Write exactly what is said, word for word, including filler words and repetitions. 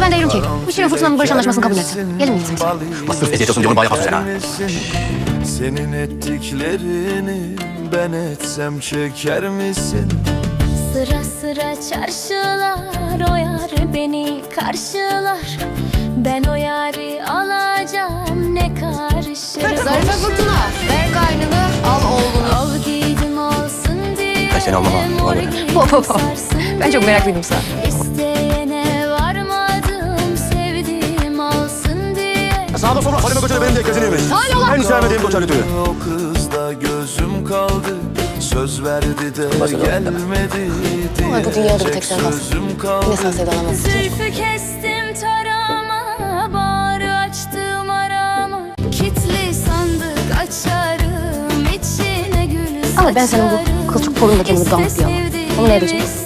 ben de diyorum ki bu Şirin Fırtına'nın barış anlaşmasını kabul etse. Gelin mi gitsek? Sırf eziyet olsun diye onu bağ yaparsın sen ha. Senin ettiklerini ben etsem çeker misin? Sıra sıra çarşılar, o yar beni karşılar. Ben o yarı alacağım, ne karışır. Zarife Fırtına, ver kaynını, al oğlunu. Al giydim olsun diye. Ben seni anlamam, ona göre. Hop hop hop. Ben çok meraklıydım sana. İsteyene varmadım, sevdiğim olsun diye. Sağda sola Halime Koç'a benim de gözünü yemeyin. En sevmediğim Koç Ali Tüyü. O kızda gözüm kaldı. Söz verdi de gelmedi. Ama bu dünyada bir tek sen kalsın. Sözüm kaldı. Ne sen sevdalamazsın. Zülfü kestim tarama, bağrı açtım arama. Kitli sandık açarım, içine gül saçarım. Ama ben senin bu kılçık torunla kendini damıtlayamam. Onu ne edeceğiz?